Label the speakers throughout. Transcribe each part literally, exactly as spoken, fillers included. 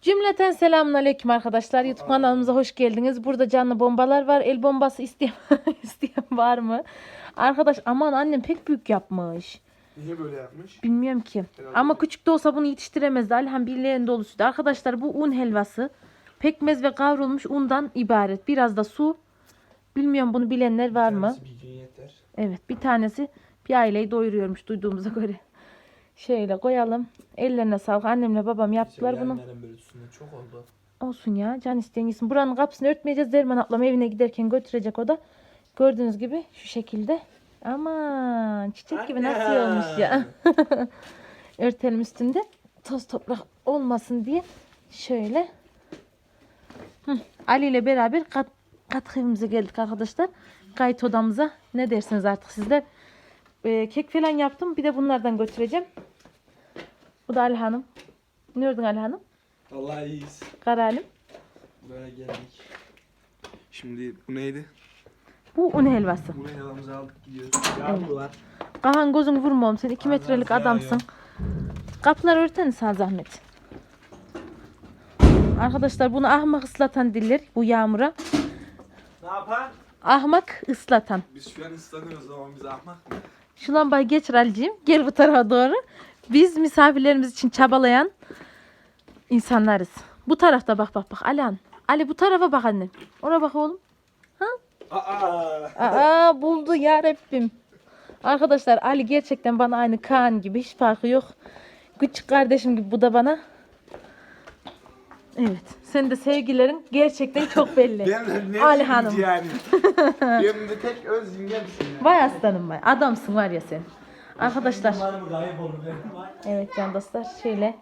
Speaker 1: Cümleten selamünaleyküm arkadaşlar. YouTube kanalımıza hoş geldiniz. Burada canlı bombalar var. El bombası isteyen, isteyen var mı? Arkadaş aman annem pek büyük yapmış.
Speaker 2: Niye böyle yapmış?
Speaker 1: Bilmiyorum ki.
Speaker 2: Herhalde.
Speaker 1: Ama küçük de olsa bunu yetiştiremezdi. Alhan birliğin dolusuydu. Arkadaşlar bu un helvası. Pekmez ve kavrulmuş undan ibaret. Biraz da su. Bilmiyorum bunu bilenler var mı?
Speaker 2: Bir gün yeter.
Speaker 1: Evet bir tanesi bir aileyi doyuruyormuş duyduğumuza göre. Şöyle koyalım. Ellerine sağlık. Annemle babam yaptılar bunu.
Speaker 2: Böyle üstünde çok oldu.
Speaker 1: Olsun ya. Can isteyen yesin. Buranın kapısını örtmeyeceğiz. Derman ablam evine giderken götürecek o da. Gördüğünüz gibi şu şekilde. Aman çiçek gibi nasıl olmuş ya. Örtelim üstünde. Toz toprak olmasın diye. Şöyle. Hı. Ali ile beraber kat, kat evimize geldik arkadaşlar. Kayıt odamıza. Ne dersiniz artık sizler. Ee, kek falan yaptım. Bir de bunlardan götüreceğim. Bu da Ali Hanım. Ne gördün Ali Hanım?
Speaker 2: Vallahi iyiyiz.
Speaker 1: Karalim.
Speaker 2: Böyle geldik. Şimdi bu neydi?
Speaker 1: Bu un helvası.
Speaker 2: Buraya yalamızı aldık gidiyoruz.
Speaker 1: Evet.
Speaker 2: Yağmurlar.
Speaker 1: Kahan gözün vurmam sen iki
Speaker 2: Allah
Speaker 1: metrelik
Speaker 2: yağıyor.
Speaker 1: adamsın. Kapıları örteniz sana zahmet. Arkadaşlar bunu ahmak ıslatan diller bu yağmura.
Speaker 2: Ne yapar?
Speaker 1: Ahmak ıslatan.
Speaker 2: Biz şu an ıslanıyoruz ama biz ahmak mı?
Speaker 1: Şu lambayı geçir Ali'ciğim. Gel bu tarafa doğru. Biz misafirlerimiz için çabalayan insanlarız. Bu tarafta bak bak bak Alihan. Ali bu tarafa bak annem. Oraya bak oğlum. Ha?
Speaker 2: Aa!
Speaker 1: Aa buldu ya Rabbim. Arkadaşlar Ali gerçekten bana aynı Kaan gibi hiç farkı yok. Küçük kardeşim gibi bu da bana. Evet. Senin de sevgilerin gerçekten çok belli.
Speaker 2: Benim de
Speaker 1: Ali
Speaker 2: ne
Speaker 1: Hanım.
Speaker 2: yani? Benim de tek öz yengemsin ya.
Speaker 1: Vay aslanım vay. Adamsın var ya sen. Arkadaşlar.
Speaker 3: Umarım gayip olur benim var.
Speaker 1: Evet can dostlar. Şöyle.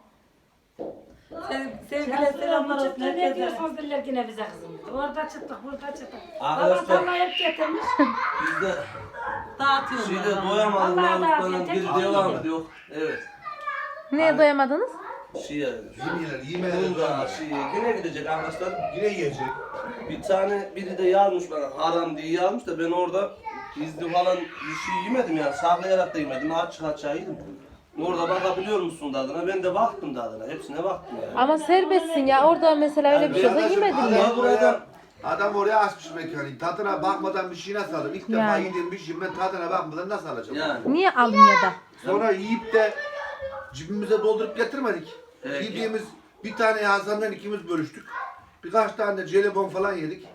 Speaker 3: Sevgiler selamlar olsun
Speaker 4: Ne
Speaker 3: herkese.
Speaker 4: diyorsunuz diller yine bize kızım. Orada çıktık, burada çıktık. Babam
Speaker 5: Arkadaşlar
Speaker 4: tarlayı hep getirmiş.
Speaker 5: biz de
Speaker 3: Dağıtıyorum.
Speaker 5: şeyde
Speaker 3: ben.
Speaker 5: doyamadık
Speaker 4: Vallahi
Speaker 5: namuslardan
Speaker 4: daha
Speaker 5: geri
Speaker 4: bir tek
Speaker 5: devam
Speaker 4: yedim.
Speaker 5: ediyor. Evet.
Speaker 1: Neye doyamadınız?
Speaker 5: Şeye,
Speaker 6: Yemeyeler, yemeyeler.
Speaker 5: bunca şeye yine gidecek arkadaşlar.
Speaker 6: Yine yiyecek.
Speaker 5: Bir tane biri de yazmış bana haram diye yazmış da ben orada gizli falan bir şey yemedim yani saklayarak da yemedim açık açığa yedim. Orada bakabiliyor musun tadına? Ben de baktım tadına. Hepsine baktım yani.
Speaker 1: Ama serbestsin ya. Orada mesela öyle bir şey olsa
Speaker 6: Arkadaşım,
Speaker 1: yemedin
Speaker 6: adam
Speaker 1: ya.
Speaker 6: oraya, adam oraya açmış mekanı. Tadına bakmadan bir şey nasıl alırım? İlk defa
Speaker 1: Yani.
Speaker 6: yediğim bir şey ben tadına bakmadan nasıl alacağım?
Speaker 5: Yani.
Speaker 1: Niye Almanya'da?
Speaker 6: Sonra yiyip de cebimize doldurup getirmedik.
Speaker 5: Evet.
Speaker 6: Yediğimiz bir tane Hasan'dan ikimiz bölüştük. Birkaç tane de jelibon falan yedik.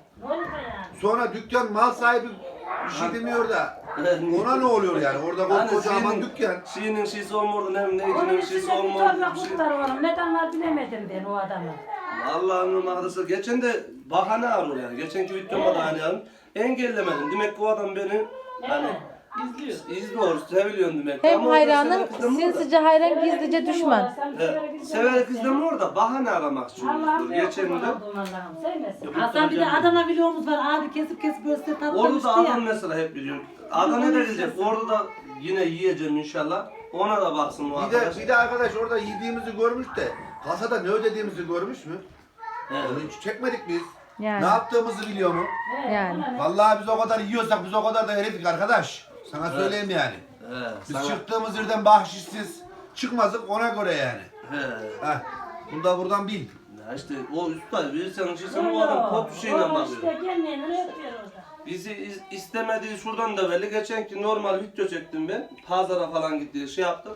Speaker 6: Sonra dükkan mal sahibi bir şey demiyor da ona ne oluyor yani? Orada
Speaker 5: Hani
Speaker 6: kocaman
Speaker 5: şeyinin-
Speaker 6: dükkan.
Speaker 5: Şeyinin şeysi olmadı hem neydi
Speaker 4: Onun
Speaker 5: ne
Speaker 4: içinde
Speaker 5: şeysi
Speaker 4: bir
Speaker 5: olmadı
Speaker 4: torba
Speaker 5: bir şey.
Speaker 4: kurtlar var. Neden var bilemedim ben o adamı.
Speaker 5: Allah'ım arkadaşlar geçen de bahane arıyor yani. Geçenki videomda da hani yani engellemedim. Demek ki o adam beni hani izliyor. İzliyor, seviliyorsun demek ki.
Speaker 1: Hem
Speaker 5: Ama orada
Speaker 1: hayranın
Speaker 5: severek izlemiyor da.
Speaker 1: sinsice hayran gizlice düşman.
Speaker 5: Evet. Severek izlemiyor da bahane aramak
Speaker 4: Allah'ım
Speaker 5: istiyordur. Geçen de.
Speaker 4: Allah'ım sevmesin.
Speaker 3: Hasan bir de Adana videomuz var. Abi kesip kesip böyle
Speaker 5: Orada
Speaker 3: tatlamıştı
Speaker 5: da adam
Speaker 3: ya.
Speaker 5: mesela hep biliyor. Adana ne gelecek? Orada da yine yiyeceğim inşallah. Ona da baksın o
Speaker 6: Bir de,
Speaker 5: arkadaş.
Speaker 6: bir de arkadaş orada yediğimizi görmüş de kasada ne ödediğimizi görmüş mü?
Speaker 5: Evet.
Speaker 6: Onu hiç çekmedik biz.
Speaker 1: Yani.
Speaker 6: Ne yaptığımızı biliyor mu?
Speaker 1: Yani.
Speaker 6: Vallahi biz o kadar yiyorsak biz o kadar da herifik arkadaş. Sana söyleyeyim yani.
Speaker 5: Evet.
Speaker 6: Biz
Speaker 5: Sana...
Speaker 6: çıktığımız yerden bahşişsiz çıkmazdık ona göre yani.
Speaker 5: He.
Speaker 6: Heh. Bunu da buradan bil.
Speaker 5: Ya işte o usta bir senin şeysen o adam pot şeyle
Speaker 4: O
Speaker 5: bakıyor.
Speaker 4: işte kendini yapıyor orada.
Speaker 5: Bizi iz, istemediği şuradan da belli. Geçenki normal video çektim ben. Pazara falan gitti şey yaptım.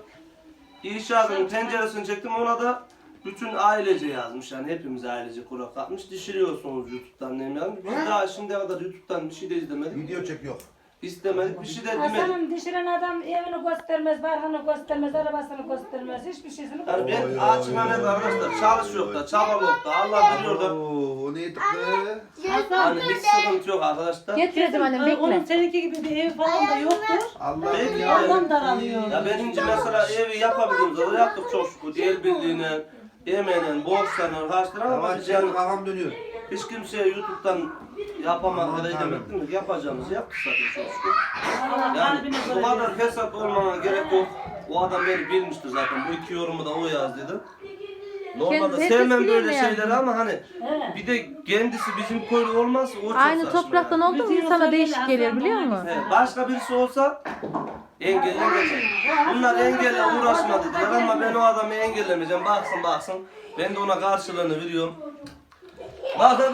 Speaker 5: İnşaatın tenceresini çektim ona da bütün ailece yazmış yani hepimiz ailece kurak atmış. Dişiriyorsunuz YouTube'dan ne yazmış. Biz daha şimdiye kadar YouTube'dan bir şey de izlemedik.
Speaker 6: Video çekiyor.
Speaker 5: İstemedik bir şey de demedik.
Speaker 4: Hasan'ın dişiren adam evini göstermez, barkını göstermez, arabasını göstermez, hiçbir şeysini
Speaker 5: Yani
Speaker 4: göstermez.
Speaker 5: ben açıma net arkadaşlar çalışıyor da çabalıyor da Allah biliyor da
Speaker 6: Oo, o ne tıktı?
Speaker 5: hani hiç sıkıntı yok arkadaşlar.
Speaker 1: Getirdim annem
Speaker 3: Kesin, Onun
Speaker 1: bekle.
Speaker 3: seninki gibi bir ev falan da yoktur.
Speaker 6: Allah
Speaker 5: Belki
Speaker 6: ya.
Speaker 3: Ondan daralıyor.
Speaker 5: Ya benince mesela evi yapabildiğimiz kadar yaptık çok şükür. Diğer bildiğine, yemeğine, borçlarına, harçlarına ama
Speaker 6: Ama
Speaker 5: biz
Speaker 6: yani
Speaker 5: yani
Speaker 6: kafam dönüyor.
Speaker 5: hiç kimseye YouTube'dan yapamadık ya da edemedik mi? Yapacağımızı yaptık zaten çok şükür.
Speaker 3: Allah
Speaker 5: Yani
Speaker 3: kalbine
Speaker 5: bu
Speaker 3: göre
Speaker 5: kadar fesat olmana gerek yok. O adam beni bilmiştir zaten. Bu iki yorumu da o yazdıydı. Normalde
Speaker 1: Kendisi
Speaker 5: sevmem
Speaker 1: biliyor
Speaker 5: böyle
Speaker 1: mu yani?
Speaker 5: şeyleri ama hani bir de kendisi bizim köylü olmazsa o çok
Speaker 1: Aynı
Speaker 5: saçma
Speaker 1: topraktan
Speaker 5: yani.
Speaker 1: oldu mu insana değişik gelir biliyor musun?
Speaker 5: He, başka birisi olsa Engelle geçer. Bunlar engelle uğraşma dediler ama ben o adamı engellemeyeceğim. Baksın baksın. Ben de ona karşılığını veriyorum. Bakır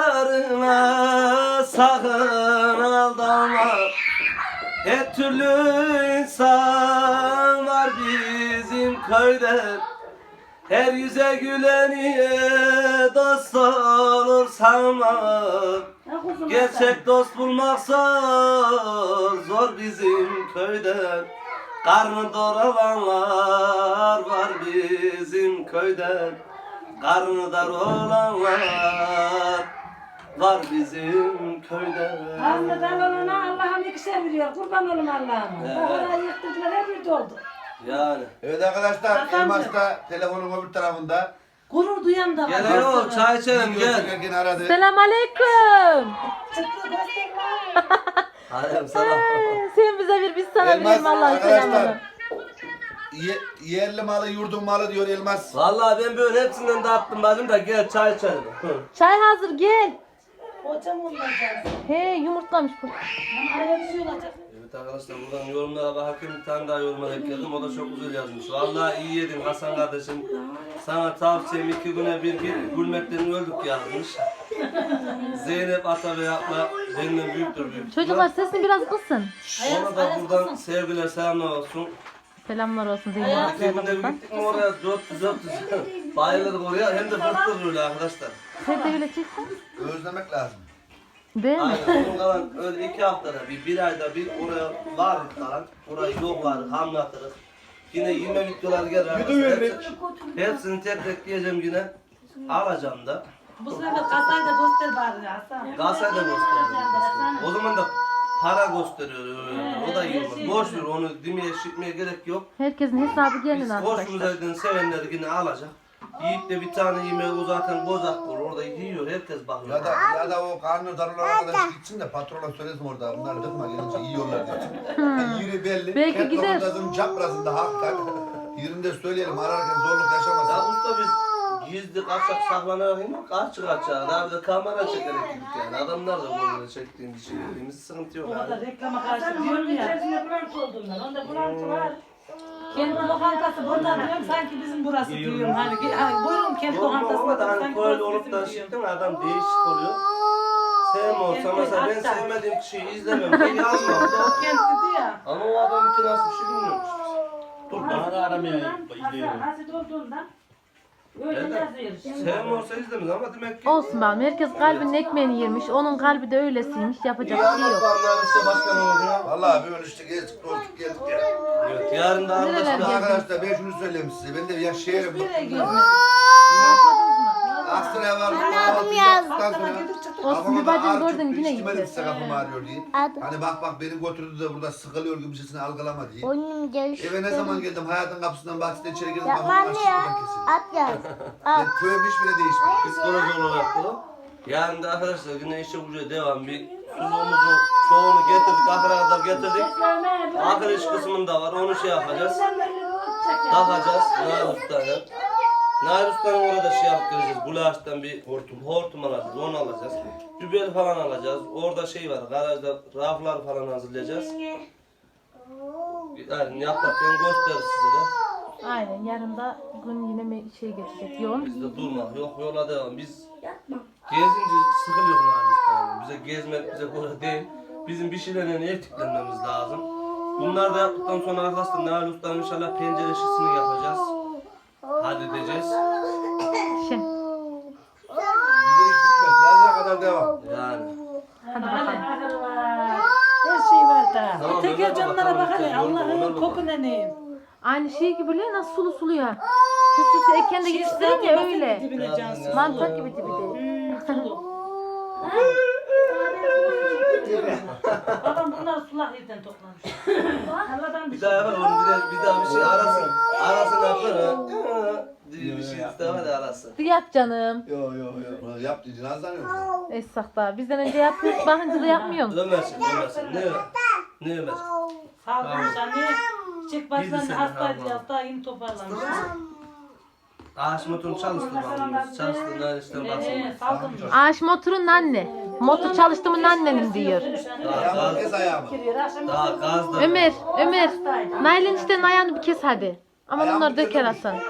Speaker 5: bağlarına sakın aldanma. Her türlü insan var bizim köyde. Her yüze güleniye dost olur sanma. Gerçek dost bulmaksa zor bizim köyde. Karnı doralanlar var bizim köyde. Karnı dar olanlar var bizim köyde.
Speaker 4: Karnı dar olana Allah'ım ikişer veriyor. Kurban olun Allah'ım.
Speaker 5: Evet.
Speaker 4: Orayı yıktırdılar her bir doldu.
Speaker 5: Yani.
Speaker 6: Evet arkadaşlar,
Speaker 3: Hasancığım.
Speaker 6: Elmas da telefonun öbür tarafında.
Speaker 3: Gurur duyan da var.
Speaker 5: Gel oğlum çay içelim
Speaker 6: Video
Speaker 5: gel.
Speaker 6: çekerken aradı.
Speaker 1: Selam aleyküm.
Speaker 4: Çıktı göster.
Speaker 5: Aleyküm selam.
Speaker 1: Ee, Sen bize bir biz sana
Speaker 6: Elmas
Speaker 1: verelim Allah'ın
Speaker 6: arkadaşlar.
Speaker 1: selamını.
Speaker 6: Ye, yerli malı, yurdun malı diyor Elmas.
Speaker 5: Vallahi ben böyle hepsinden dağıttım bacım da gel çay içelim.
Speaker 1: Çay hazır gel.
Speaker 4: Hocam olacağız.
Speaker 1: He yumurtlamış bu.
Speaker 4: Ama araya bir şey olacak.
Speaker 5: Evet arkadaşlar buradan yorumlara bakarken bir tane daha yoruma denk geldim. O da çok güzel yazmış. Vallahi iyi yedin Hasan kardeşim. Sana tavsiyem iki güne bir git gülmekten öldük yazmış. Zeynep Atabey abla benden büyüktür büyük.
Speaker 1: Çocuklar sesini biraz kısın.
Speaker 5: Ona da buradan sevgiler selamlar olsun.
Speaker 1: Selamlar olsun Zeynep
Speaker 5: İki
Speaker 1: ablaya
Speaker 5: günde bir
Speaker 1: buradan.
Speaker 5: gittik mi oraya dört yüz dört yüz bayılırdık oraya hem de fırtır öyle arkadaşlar.
Speaker 1: Sen de öyle çeksen.
Speaker 6: Özlemek lazım.
Speaker 1: Değil mi?
Speaker 5: Aynen onun kalan öyle iki haftada bir, bir ayda bir oraya vardık kalan. Orayı yoklardık, hamlatırız. Yine yeme videolar gelir arkadaşlar. Hepsi- Hepsini tek tek yiyeceğim yine. Alacağım da.
Speaker 3: Bu sefer kasayı da göster bari Hasan.
Speaker 5: Galatasaray da gösteriyor. O zaman da para gösteriyor öyle. O da iyi olmaz. Boş ver onu demeye şitmeye gerek yok.
Speaker 1: Herkesin hesabı gelin
Speaker 5: Biz
Speaker 1: arkadaşlar.
Speaker 5: hoşumuza giden sevenler yine alacak. Yiyip de bir tane yemeği o zaten bozak olur. Orada yiyor. Herkes bakıyor.
Speaker 6: Ya da ya da o karnı darılan arkadaş gitsin de patrona söylesin orada. Bunlar dıkma gelince yiyorlar diye. Yani yeri belli.
Speaker 1: Belki
Speaker 6: Ket
Speaker 1: gider.
Speaker 6: lokantasının çaprazında hakikaten. Yerinde söyleyelim ararken zorluk
Speaker 5: Ya
Speaker 6: yaşamasın.
Speaker 5: usta biz gizli kaçak saklanarak değil mi? Kaç kaçak. Daha bir de kamera çekerek gittik yani. Adamlar da böyle çektiğimiz şey dediğimiz sıkıntı yok
Speaker 3: O da
Speaker 5: yani.
Speaker 3: reklama karşı diyorum ya.
Speaker 4: İçerisinde bulantı olduğundan. Onda bulantı var.
Speaker 3: Kendi lokantası burada diyorum sanki bizim burası
Speaker 5: İyi
Speaker 3: diyorum. Hani, hani buyurun kendi
Speaker 5: Yok mu
Speaker 3: lokantası
Speaker 5: ama da
Speaker 3: burada
Speaker 5: hani
Speaker 3: sanki
Speaker 5: böyle
Speaker 3: burası
Speaker 5: olup
Speaker 3: bizim
Speaker 5: da
Speaker 3: diyorum.
Speaker 5: çıktın adam değişik oluyor. Sevme olsa
Speaker 3: Kendi
Speaker 5: mesela ben
Speaker 3: hatta.
Speaker 5: sevmediğim kişiyi izlemem. Ben yazmam.
Speaker 3: O kent dedi ya.
Speaker 5: Ama o adam ki nasıl bir şey bilmiyormuş. Dur
Speaker 4: Bana
Speaker 5: dur.
Speaker 4: da aramaya gidiyorum. Asit olduğundan. Öyle
Speaker 5: Evet.
Speaker 4: yazıyor.
Speaker 5: Sevme olsa izlemez ama demek ki
Speaker 1: Olsun bakalım. Herkes kalbinin ekmeğini yemiş. Onun kalbi de öylesiymiş. Yapacak
Speaker 5: iyi
Speaker 1: bir şey yok.
Speaker 5: anlatmanlar işte başkan oldu ya.
Speaker 6: Vallahi böyle işte gezdik dolduk geldik ya.
Speaker 5: Evet yarın da
Speaker 1: Nereler
Speaker 5: arkadaşlar.
Speaker 1: gezdin?
Speaker 6: Arkadaşlar ben şunu söyleyeyim size. Ben de yaşayarım.
Speaker 3: Nereye gezmedin?
Speaker 1: Yapmadınız mı?
Speaker 6: Aksaray'a var. Kahvaltı yaptıktan sonra.
Speaker 1: Olsun bir bacım gördün yine
Speaker 6: gitti.
Speaker 1: gitti.
Speaker 6: Size kafam ağrıyor diye. Hani bak bak beni götürdü de burada sıkılıyor gibi sesini algılama diye.
Speaker 7: Oyunum gelişti.
Speaker 6: Eve ne zaman geldim hayatın kapısından bahçeden içeri girdim.
Speaker 7: Yapma
Speaker 6: Kafam
Speaker 7: anne
Speaker 6: açık
Speaker 7: ya.
Speaker 6: buradan kesildi.
Speaker 7: At yaz.
Speaker 6: Ben köyüm hiç bile değişmedi.
Speaker 5: Psikoloji olarak da. Yarın da arkadaşlar yine işe güce devam. Bir suluğumuzu çoğunu getirdik. Ahıra kadar getirdik. Ahır iş kısmında var. Onu şey yapacağız. Takacağız. Nail Usta'ya. Nail Usta'nın orada şey yapıp geleceğiz. Gulaş'tan bir hortum, hortum alacağız. Onu alacağız. Dübel falan alacağız. Orada şey var. Garajda raflar falan hazırlayacağız. Yani yaparken gösteririz size de.
Speaker 1: Aynen yarın da gün yine mi- şey geçecek yoğun.
Speaker 5: Bizde durmak yok yola devam. Biz gezince sıkılıyor Nail Usta'nın. Bize gezmek bize göre değil. Bizim bir şeylerle etiklenmemiz lazım. Bunlar da yaptıktan sonra arkadaşlar Nail Usta'nın inşallah pencere şişini yapacağız. Halledeceğiz.
Speaker 1: Şey.
Speaker 6: Bize hiç bitmez. Laz'a kadar devam.
Speaker 5: Yani.
Speaker 1: Hadi bakalım.
Speaker 4: Her şey var da.
Speaker 5: Tamam,
Speaker 3: Teker
Speaker 5: Ömer
Speaker 3: camlara
Speaker 5: bakalım,
Speaker 3: bak hele
Speaker 5: lütfen, yorma, Ömer
Speaker 3: Allah'ın
Speaker 5: baba.
Speaker 3: koku ne neyim.
Speaker 1: Aynı şey gibi böyle nasıl sulu sulu ya. Püs püs eken de yetiştirin ya öyle.
Speaker 3: Dibine cansın.
Speaker 1: Mantar gibi tipi değil.
Speaker 3: Babam bunlar sulak yerden toplamış.
Speaker 4: Allah'tan
Speaker 5: Bir daha yapar onu bir daha, bir daha bir şey arasın. Arasın yapar ha. Diye bir şey istemez de arasın.
Speaker 1: Bir yap canım.
Speaker 6: Yo yo yo. Yap dedi nazlanıyor.
Speaker 1: Essak da bizden önce yapıyoruz. Bakınca da yapmıyorsun.
Speaker 5: Ömersin Ömersin. Ne Ömer? Ne Ömer?
Speaker 3: Sağ olmuş anne. Çiçek başlarında
Speaker 5: Yedi sene
Speaker 3: hastaydı
Speaker 5: kaldı.
Speaker 3: hasta yeni toparlamış.
Speaker 5: Ağaç motorunu çalıştırmamız. Çalıştırlar işte basın.
Speaker 1: Ağaç motorun anne. Motor çalıştı mı annenin diyor.
Speaker 5: Daha
Speaker 6: Ayağımı kes
Speaker 5: gaz,
Speaker 6: ayağımı.
Speaker 5: daha gaz da.
Speaker 1: Ömer, Ömer. Nail'in işte ayağını bir kes hadi. Ama
Speaker 6: Ayağımı
Speaker 1: bunları döker
Speaker 6: kesemiş.
Speaker 1: Hasan.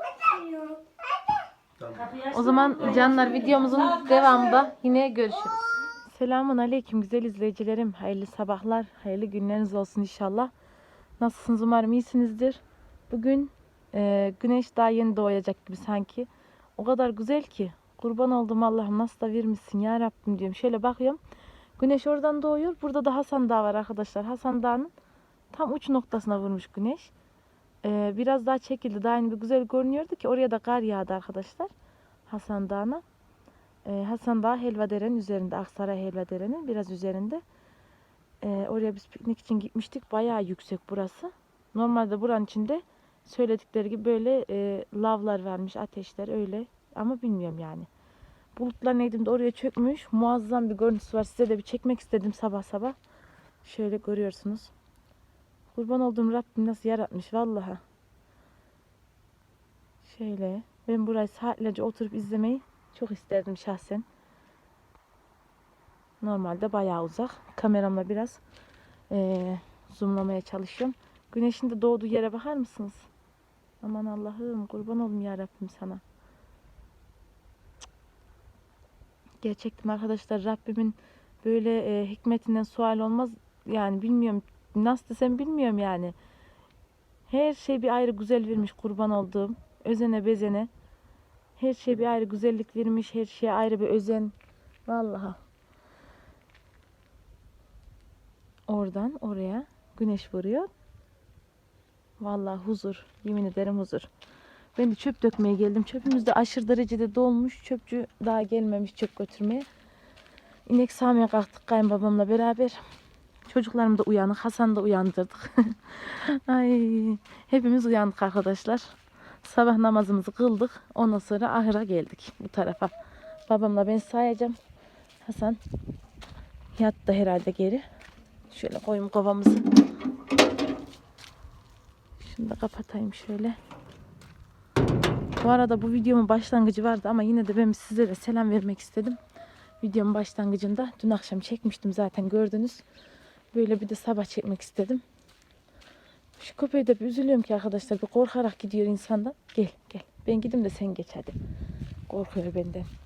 Speaker 1: O zaman canlar videomuzun devamında yine görüşürüz. Selamun aleyküm güzel izleyicilerim. Hayırlı sabahlar, hayırlı günleriniz olsun inşallah. Nasılsınız umarım iyisinizdir. Bugün e, güneş daha yeni doğacak gibi sanki. O kadar güzel ki. Kurban oldum Allah'ım nasıl da vermişsin ya Rabbim diyorum. Şöyle bakıyorum. Güneş oradan doğuyor. Burada da Hasan Dağı var arkadaşlar. Hasan Dağı'nın tam uç noktasına vurmuş güneş. E, biraz daha çekildi. Daha yeni bir güzel görünüyordu ki oraya da kar yağdı arkadaşlar. Hasan Dağı'na. Ee, Hasan Dağı Helvadere'nin üzerinde. Aksaray Helvadere'nin biraz üzerinde. Ee, oraya biz piknik için gitmiştik. Bayağı yüksek burası. Normalde buranın içinde söyledikleri gibi böyle e, lavlar varmış, ateşler öyle. Ama bilmiyorum yani. Bulutlar neydim de oraya çökmüş. Muazzam bir görüntüsü var. Size de bir çekmek istedim sabah sabah. Şöyle görüyorsunuz. Kurban olduğum Rabbim nasıl yaratmış vallahi. Şöyle. Ben burayı saatlerce oturup izlemeyi çok isterdim şahsen. Normalde bayağı uzak. Kameramla biraz eee, zoomlamaya çalışıyorum. Güneşin de doğduğu yere bakar mısınız? Aman Allah'ım kurban olayım ya Rabbim sana. Gerçekten arkadaşlar Rabbimin böyle e, hikmetinden sual olmaz. Yani bilmiyorum nasıl desem bilmiyorum yani. Her şey bir ayrı güzel vermiş kurban olduğum. Özene bezene. Her şey bir ayrı güzellik vermiş. Her şeye ayrı bir özen. Vallahi. Oradan oraya güneş vuruyor. Vallahi huzur. Yemin ederim huzur. Ben de çöp dökmeye geldim. Çöpümüz de aşırı derecede dolmuş. Çöpçü daha gelmemiş çöp götürmeye. İnek sağmaya kalktık kayınbabamla beraber. Çocuklarım da uyanık. Hasan da uyandırdık. Ay, hepimiz uyandık arkadaşlar. Sabah namazımızı kıldık. Ondan sonra ahıra geldik bu tarafa. Babamla ben sayacağım. Hasan yattı herhalde geri. Şöyle koyayım kovamızı. Şunu da kapatayım şöyle. Bu arada bu videomun başlangıcı vardı ama yine de ben size de selam vermek istedim. Videomun başlangıcında dün akşam çekmiştim zaten gördünüz. Böyle bir de sabah çekmek istedim. Şu köpeği de bir üzülüyorum ki arkadaşlar. Bir korkarak gidiyor insandan. Gel gel. Ben gideyim de sen geç hadi. Korkuyor benden.